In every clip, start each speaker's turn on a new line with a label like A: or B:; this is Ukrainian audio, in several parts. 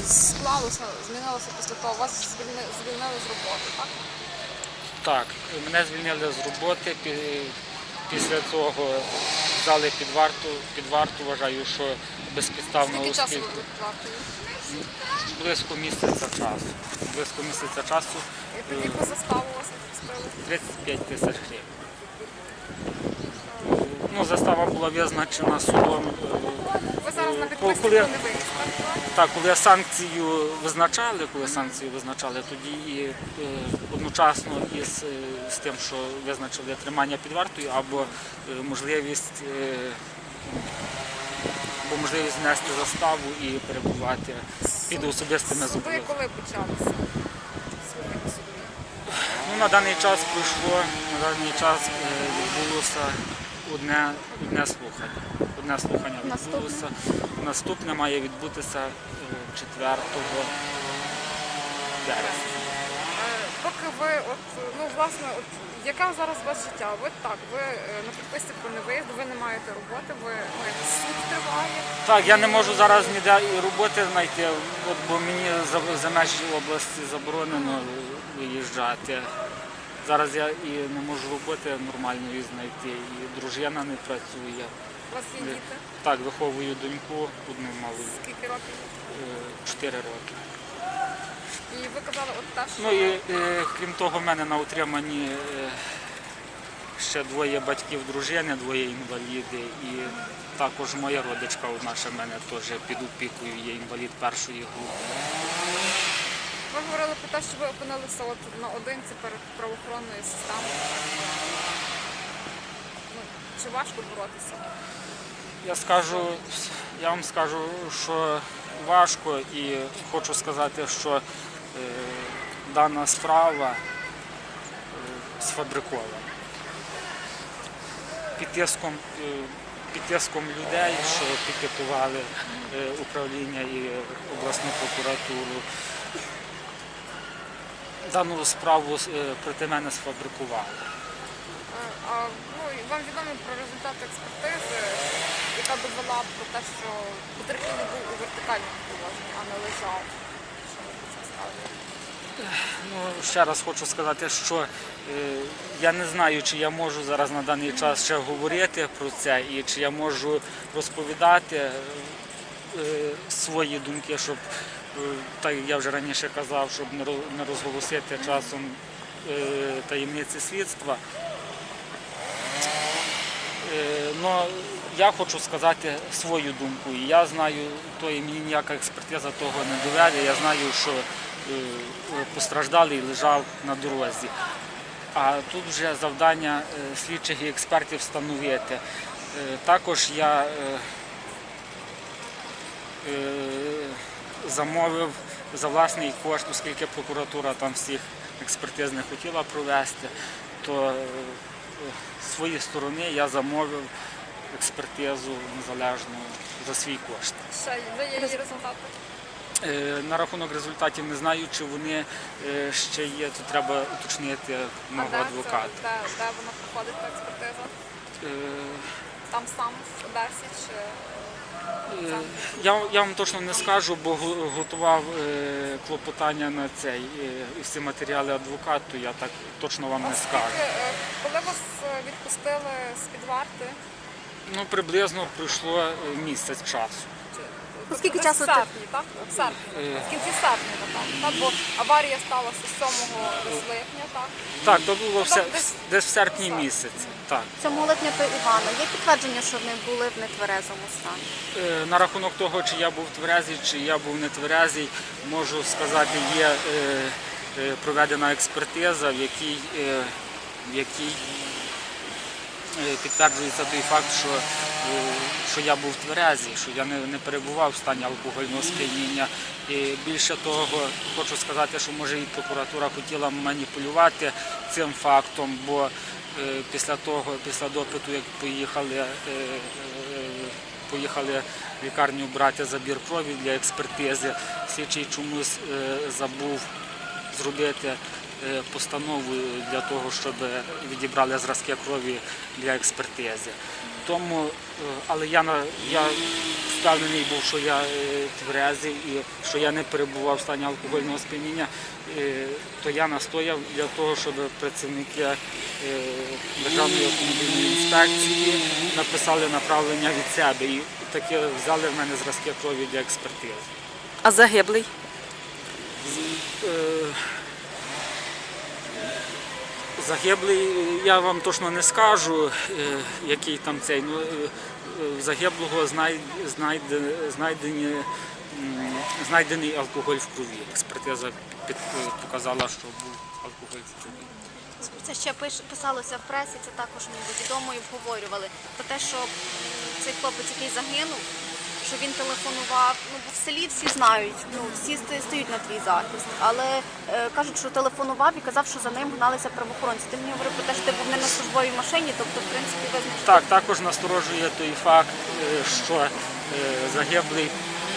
A: склалося, змінилося після того? Вас звільнили з роботи, так?
B: Так, мене звільнили з роботи, після цього взяли під варту, вважаю, що безпідставно.
A: Скільки часу ви під вартою?
B: Близько місяця часу.
A: І яку заставу у вас відпустили?
B: 35 тисяч гривень. Ну, застава була визначена судом.
A: Ви зараз на підписці не виїзд, так?
B: Так, коли санкцію визначали, тоді і одночасно з тим, що визначили тримання під вартою, або можливість внести заставу і перебувати під особистими
A: Суди
B: зобов'язаннями.
A: коли почалися?
B: Ну, на даний час відбулося одне слухання відбулося. Наступне має відбутися 4 березня.
A: Поки ви, власне, яка зараз у вас життя? Ви на підписці про невиїзд, ви не маєте роботи, суд триває.
B: Так, я не можу зараз ніде і роботи знайти, бо мені за межі області заборонено виїжджати. Зараз я і не можу роботи нормальної знайти, і дружина не працює.
A: У вас є діти?
B: Так, виховую доньку, одну малу.
A: Скільки років?
B: 4 роки.
A: І ви казали, те, що...
B: Ну і крім того, в мене на утриманні ще двоє батьків дружини, двоє інваліди. І також моя родичка одна ще в мене теж під опікою, є інвалід першої групи.
A: Ви говорили про те, що ви опинилися наодинці перед правоохоронною системою. Чи важко боротися?
B: Я вам скажу, що важко, і хочу сказати, що дана справа сфабрикована. Під тиском людей, що пікетували управління і обласну прокуратуру, дану справу проти мене сфабрикували.
A: Вам відомо про результати експертизи, яка довела про те, що потерпілий був у вертикальному положенні, а не лежав. Що ви про це скажете?
B: Ще раз хочу сказати, що я не знаю, чи я можу зараз на даний час ще говорити про це, і чи я можу розповідати свої думки, щоб, так як я вже раніше казав, щоб не розголосити часом таємниці слідства. Но я хочу сказати свою думку. І я знаю, то і мені ніяка експертиза того не доведе. Я знаю, що постраждалий лежав на дорозі. А тут вже завдання слідчих і експертів встановити. Також я замовив за власний кошт, оскільки прокуратура там всіх експертиз не хотіла провести, то з своєї сторони я замовив експертизу незалежну за свій кошт.
A: Ще є її результати?
B: На рахунок результатів не знаю, чи вони ще є, то треба уточнити мого адвоката.
A: Де вона проходить та експертиза? Там сам в Одесі чи...
B: Я вам точно не скажу, бо готував клопотання на цей і всі матеріали адвокату, я так точно вам не скажу.
A: Коли вас відпустили з-під варти?
B: Ну, приблизно пройшло місяць часу.
A: Скільки часу? В серпні, так? В серпні. В кінці серпня, напевно. Бо аварія сталася 7 липня, так?
B: Так, то було десь в серпні місяці. Так.
C: 7 липня то Івана. Є підтвердження, що вони були в нетверезому стані?
B: На рахунок того, чи я був тверезий, чи я був не тверезий, можу сказати, є проведена експертиза, в якій підтверджується той факт, що я був тверезий, що я не перебував в стані алкогольного сп'яніння. І більше того, хочу сказати, що може і прокуратура хотіла маніпулювати цим фактом, бо після допиту, як поїхали в лікарню брати забір крові для експертизи, слідчий чомусь забув зробити постанову для того, щоб відібрали зразки крові для експертизи. Тому, але я впевнений був, що я тверезий і що я не перебував в стані алкогольного сп'яніння, то я настояв для того, щоб працівники Державної автомобільної інспекції написали направлення від себе і таки взяли в мене зразки крові для експертизи.
D: А загиблий?
B: Загиблий, я вам точно не скажу, який там цей. Ну, в загиблого знайдений алкоголь в крові. Експертиза показала, що був алкоголь в крові.
C: Це ще писалося в пресі, це також відомо і обговорювали. Про те, що цей хлопець, який загинув, що він телефонував, ну бо в селі всі знають, ну всі стають на твій захист, але кажуть, що телефонував і казав, що за ним гналися правоохоронці. Ти мені говорив про те, що ти був не на службовій машині, тобто, в принципі, визначив.
B: Так, також насторожує той факт, що загиблий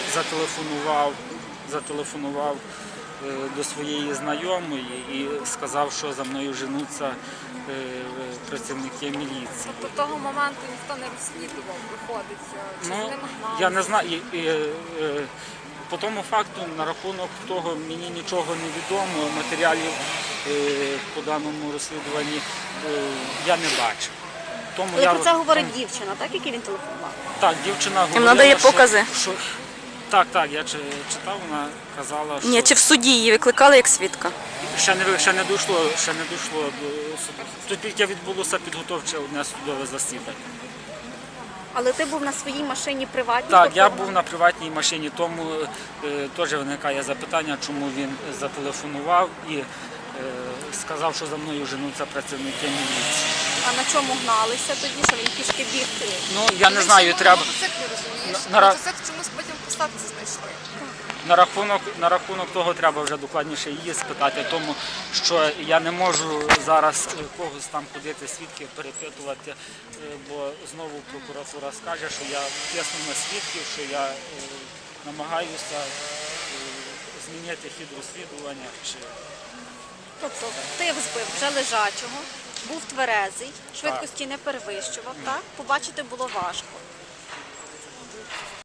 B: зателефонував до своєї знайомої і сказав, що за мною женуться працівники міліції.
A: Тобто того моменту ніхто не розслідував, виходить, чи з
B: Ну,
A: ним гнали?
B: я не знаю. По тому факту, на рахунок того, мені нічого не відомо, матеріалів по даному розслідуванні я не бачив. Тому
C: Але про це говорить дівчина, так, який він телефонував?
B: Так, дівчина говорила,
D: надає покази?
B: що так, я читав, вона казала, що
D: Ні, чи в суді її викликали як свідка?
B: ще не дійшло до суду. Тут тільки відбулося підготовче одне судове засідання.
C: Але ти був на своїй машині приватній?
B: Так,
C: тобто
B: я був на приватній машині, тому теж виникає запитання, чому він зателефонував і сказав, що за мною женуться працівники міліції.
C: А на чому гналися тоді, що він пішки біг?
B: Ну, я не знаю, треба...
A: Мотоцикл, розумієш?
B: На ра-
A: Мотоцикл чомусь потім в посадці знайшли.
B: На рахунок того треба вже докладніше її спитати, тому що я не можу зараз когось там ходити, свідків перепитувати, бо знову прокуратура скаже, що я тисну на свідків, що я намагаюся змінити хід розслідування.
C: Тобто ти збив вже лежачого, був тверезий, швидкості не перевищував, так? Побачити було важко.